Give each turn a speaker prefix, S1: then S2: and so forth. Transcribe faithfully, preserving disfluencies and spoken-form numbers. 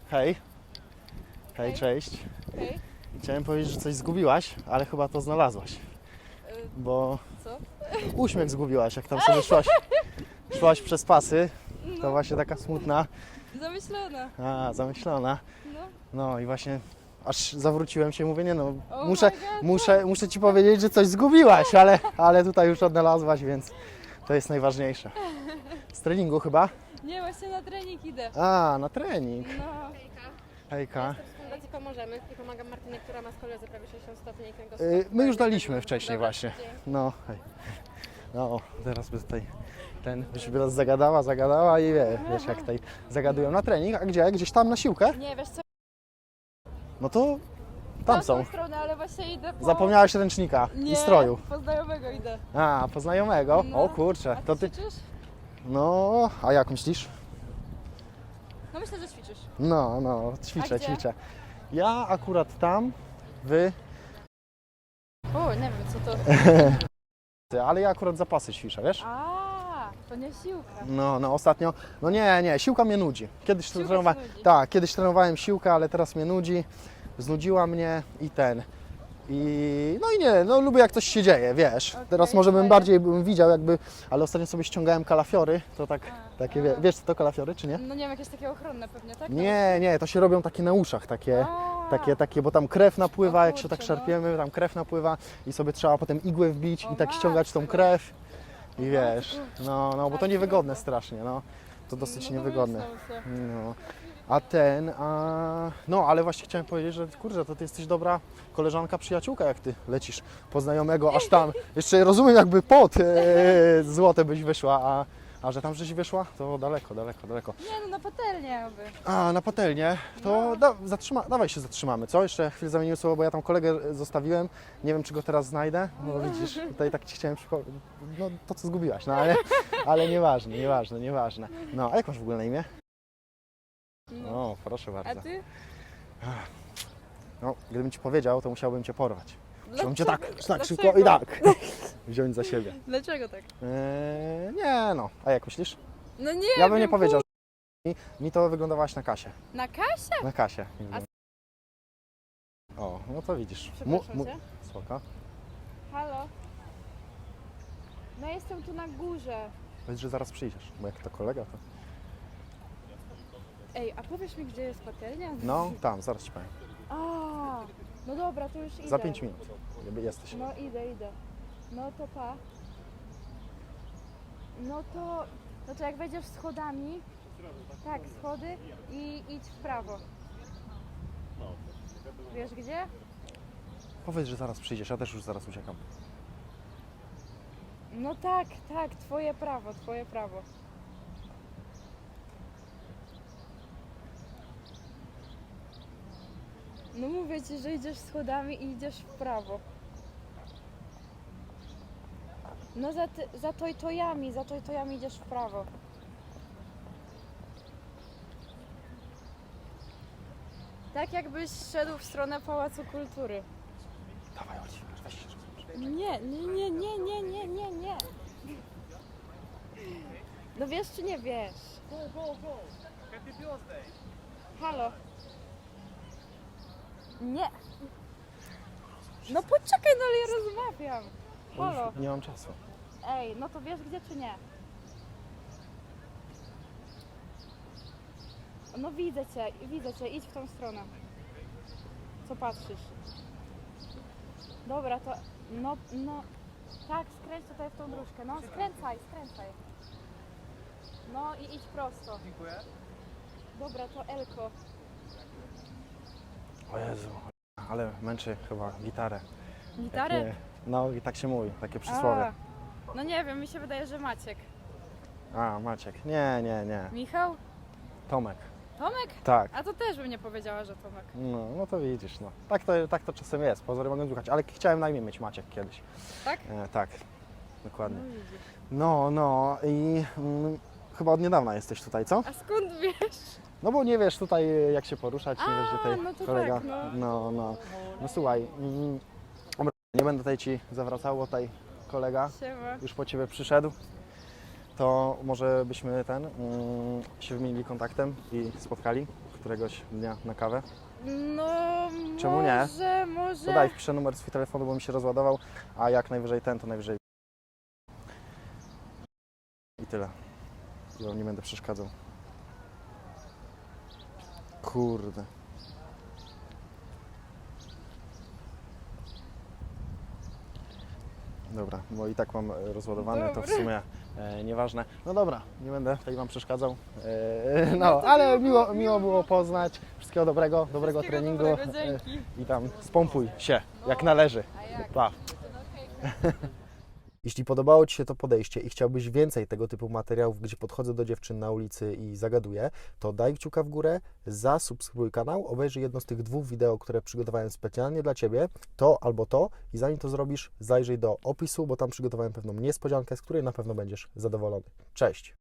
S1: Hej. Hej, cześć.
S2: Hej.
S1: Chciałem powiedzieć, że coś zgubiłaś, ale chyba to znalazłaś.
S2: Y,
S1: Bo
S2: Co?
S1: uśmiech zgubiłaś, jak tam sobie szłaś, szłaś przez pasy. To
S2: No,
S1: właśnie taka smutna,
S2: zamyślona.
S1: a zamyślona.
S2: No.
S1: No i właśnie aż zawróciłem się, mówię, nie no,
S2: Oh
S1: muszę,
S2: my God.
S1: muszę, muszę ci powiedzieć, że coś zgubiłaś, ale, ale tutaj już odnalazłaś, więc to jest najważniejsze. Z treningu chyba?
S2: Nie, właśnie na trening idę.
S1: A, na trening.
S2: No.
S1: Hejka.
S3: W Fundacji Pomożemy i pomagam Martynie, która ma skoliozę prawie sześćdziesiąt stopni i
S1: Y,
S3: kręgosłup.
S1: My już daliśmy wcześniej
S3: Dobra,
S1: właśnie.
S3: dzięki.
S1: No, hej. No, o, teraz by tutaj ten, byś by nas zagadała, zagadała i wie, wiesz jak tutaj zagadują na trening, a gdzie? Gdzieś tam na siłkę?
S2: Nie, wiesz co?
S1: No to tam
S2: Na
S1: są.
S2: tą stronę, ale właśnie idę po...
S1: Zapomniałaś ręcznika
S2: Nie,
S1: i stroju.
S2: po znajomego idę.
S1: A, po znajomego?
S2: No.
S1: O kurczę,
S2: A
S1: to
S2: ty
S1: ty...
S2: ćwiczysz?
S1: No, a jak myślisz?
S2: No myślę, że ćwiczysz.
S1: No, no, ćwiczę,
S2: A gdzie?
S1: ćwiczę. Ja akurat tam, wy,
S2: O, nie wiem co to.
S1: ale ja akurat zapasy ćwiczę, wiesz?
S2: A, to nie siłka.
S1: No, no ostatnio, no nie, nie, siłka mnie nudzi. Kiedyś
S2: Siłka
S1: trenowałem,
S2: cię nudzi.
S1: tak, kiedyś trenowałem siłkę, ale teraz mnie nudzi, znudziła mnie i ten. I no i nie, no lubię jak coś się dzieje, wiesz.
S2: Okej,
S1: Teraz może bym
S2: fajnie.
S1: bardziej bym widział jakby, ale ostatnio sobie ściągałem kalafiory, to tak,
S2: A,
S1: takie,
S2: a.
S1: wie, wiesz co to kalafiory, czy nie?
S2: No nie wiem, jakieś takie ochronne pewnie, tak?
S1: Nie, nie, to się robią takie na uszach, takie,
S2: A.
S1: takie, takie, bo tam krew napływa,
S2: O
S1: jak się tak
S2: kurczę, no.
S1: szarpiemy, tam krew napływa i sobie trzeba potem igłę wbić
S2: O
S1: i tak ściągać tą
S2: matko.
S1: krew i
S2: O
S1: wiesz,
S2: matko.
S1: no, no, bo to
S2: Ale
S1: niewygodne
S2: trudno.
S1: strasznie, no, to dosyć
S2: No to
S1: niewygodne.
S2: myślę, że-
S1: No. A ten, a... no ale właśnie chciałem powiedzieć, że kurczę, to ty jesteś dobra koleżanka, przyjaciółka, jak ty lecisz po znajomego aż tam. Jeszcze rozumiem, jakby pod e, złote byś wyszła, a, a że tam żeś wyszła, to daleko, daleko, daleko.
S2: Nie, no na patelnię oby.
S1: A, na patelnię, to da, zatrzyma, dawaj się zatrzymamy, co? Jeszcze chwilę zamieniłem słowo, bo ja tam kolegę zostawiłem, nie wiem, czy go teraz znajdę, no widzisz, tutaj tak ci chciałem przypomnieć, no to, co zgubiłaś, no ale, ale nieważne, nieważne, nieważne. No, a jak masz w ogóle na imię?
S2: No.
S1: O, proszę bardzo.
S2: A ty?
S1: No, gdybym ci powiedział, to musiałbym cię porwać. Musiałbym cię tak,
S2: Dlaczego?
S1: tak szybko
S2: Dlaczego?
S1: i tak wziąć za siebie.
S2: Dlaczego tak?
S1: Eee, nie no, a jak myślisz?
S2: No nie
S1: Ja bym
S2: wiem,
S1: nie powiedział, że mi, mi to wyglądałaś na kasie.
S2: Na kasie?
S1: Na kasie.
S2: A-
S1: O, no to widzisz.
S2: Przepraszam cię.
S1: Spoko.
S2: Halo? No jestem tu na górze.
S1: Powiedz, że zaraz przyjdziesz, bo jak to kolega, to...
S2: Ej, a powiesz mi, gdzie jest patelnia?
S1: No, tam, zaraz ci powiem.
S2: A, no dobra, to już idę.
S1: Za pięć minut jakby jesteś.
S2: No idę, idę. No to pa. No to, no to jak wejdziesz schodami, tak, schody i idź w prawo. Wiesz gdzie?
S1: Powiedz, że zaraz przyjdziesz, ja też już zaraz uciekam.
S2: No tak, tak, twoje prawo, twoje prawo. No mówię ci, że idziesz schodami i idziesz w prawo. No za, ty, za tojtojami, za tojtojami idziesz w prawo. Tak jakbyś szedł w stronę Pałacu Kultury.
S1: Dawaj, chodź, weź się rozłóż.
S2: Nie, nie, nie, nie, nie, nie, nie, nie. No wiesz czy nie wiesz?
S4: Go, go, go! Happy birthday!
S2: Halo? Nie. No poczekaj, no ale ja rozmawiam. Halo?
S1: Już nie mam czasu.
S2: Ej, no to wiesz gdzie czy nie? No widzę cię, widzę cię, idź w tą stronę. Co patrzysz? Dobra, to no, no, tak, skręć tutaj w tą dróżkę, no skręcaj, skręcaj. No i idź prosto.
S4: Dziękuję.
S2: Dobra, to Elko.
S1: O Jezu, ale męczy chyba gitarę.
S2: Gitarę?
S1: Nie, no i tak się mówi, takie przysłowie.
S2: A, no nie wiem, mi się wydaje, że Maciek.
S1: A, Maciek. Nie, nie, nie.
S2: Michał?
S1: Tomek.
S2: Tomek?
S1: Tak.
S2: A to też bym nie powiedziała, że Tomek.
S1: No, no to widzisz, no. Tak to, tak to czasem jest, pozory mogą słuchać, ale chciałem na imię mieć Maciek kiedyś.
S2: Tak?
S1: E, tak, dokładnie.
S2: No widzisz.
S1: No, no i mm, chyba od niedawna jesteś tutaj, co?
S2: A skąd wiesz?
S1: No bo nie wiesz tutaj jak się poruszać, nie
S2: A,
S1: wiesz, że tutaj
S2: no to
S1: kolega.
S2: tak, no.
S1: no, no. No słuchaj, mm, dobra, nie będę tutaj ci zawracał, bo tutaj kolega
S2: Siema.
S1: już po ciebie przyszedł. To może byśmy ten mm, się wymienili kontaktem i spotkali. któregoś dnia na kawę?
S2: No,
S1: Czemu nie?
S2: może, może...
S1: To daj, wpiszę numer swój telefonu, bo mi się rozładował, a jak najwyżej ten, to najwyżej. I tyle. I wam nie będę przeszkadzał. Kurde. Dobra, bo i tak mam e, rozładowany, to w sumie e, nieważne. No dobra, nie będę tutaj wam przeszkadzał. E, no, ale miło, miło było poznać. Wszystkiego dobrego, dobrego
S2: Wszystkiego
S1: treningu.
S2: dobrego, dzięki.
S1: E, I tam spompuj się, jak należy.
S2: A jak?
S1: Pa. Jeśli podobało Ci się to podejście i chciałbyś więcej tego typu materiałów, gdzie podchodzę do dziewczyn na ulicy i zagaduję, to daj kciuka w górę, zasubskrybuj kanał, obejrzyj jedno z tych dwóch wideo, które przygotowałem specjalnie dla Ciebie, to albo to, i zanim to zrobisz, zajrzyj do opisu, bo tam przygotowałem pewną niespodziankę, z której na pewno będziesz zadowolony. Cześć!